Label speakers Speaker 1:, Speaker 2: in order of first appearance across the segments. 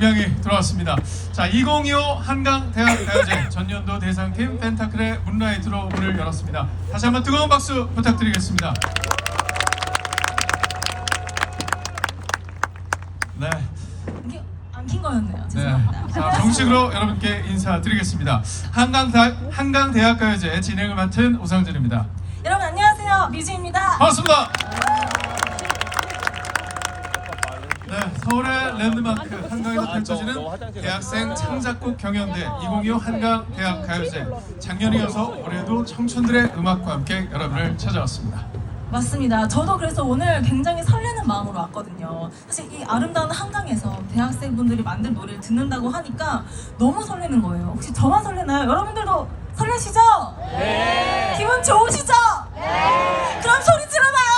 Speaker 1: 장병이 들어왔습니다. 자, 2025 한강대학가요제 전년도 대상팀 펜타클의 문라이트로 문을 열었습니다. 다시 한번 뜨거운 박수 부탁드리겠습니다. 네.
Speaker 2: 이게 안 킨 거였네요.
Speaker 1: 네.
Speaker 2: 죄송합니다.
Speaker 1: 자, 정식으로 여러분께 인사드리겠습니다. 한강대학가요제 진행을 맡은 오상준입니다.
Speaker 2: 여러분 안녕하세요. 뮤즈입니다.
Speaker 1: 반갑습니다. 네, 서울의 랜드마크 한강에서 펼쳐지는 대학생 창작곡 경연대 2025 한강대학가요제. 작년에 이어서 올해도 청춘들의 음악과 함께 여러분을 찾아왔습니다.
Speaker 2: 맞습니다. 저도 그래서 오늘 굉장히 설레는 마음으로 왔거든요. 사실 이 아름다운 한강에서 대학생분들이 만든 노래를 듣는다고 하니까 너무 설레는 거예요. 혹시 저만 설레나요? 여러분들도 설레시죠? 네. 기분 좋으시죠? 네. 그럼 소리 질러봐요.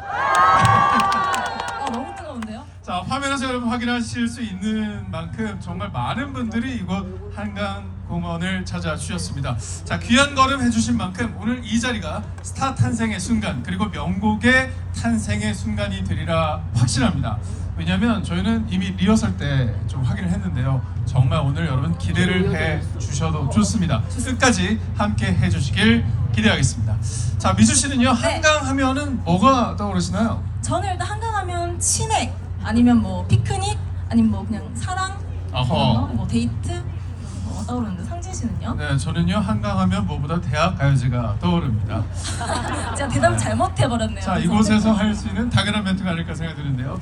Speaker 2: 너무 뜨거운데요?
Speaker 1: 자, 화면에서 여러분 확인하실 수 있는 만큼 정말 많은 분들이 이곳 한강공원을 찾아주셨습니다. 자, 귀한 걸음 해주신 만큼 오늘 이 자리가 스타 탄생의 순간 그리고 명곡의 탄생의 순간이 되리라 확신합니다. 왜냐하면 저희는 이미 리허설 때 좀 확인을 했는데요. 정말 오늘 여러분 기대를 해 주셔도 좋습니다. 끝까지 함께 해주시길 기대하겠습니다. 자, 미주 씨는요, 한강 하면은 뭐가 떠오르시나요?
Speaker 2: 저는 일단 한강하면 치맥 아니면 뭐 피크닉 아니면 뭐 그냥 사랑 뭐 데이트 떠오르는데 상진 씨는요?
Speaker 1: 네, 저는요 한강하면 뭐보다 대학가요제가 떠오릅니다.
Speaker 2: 제가 대답을 잘못해버렸네요.
Speaker 1: 자, 이곳에서 할 수 있는 당연한 멘트가 아닐까 생각이 드는데요.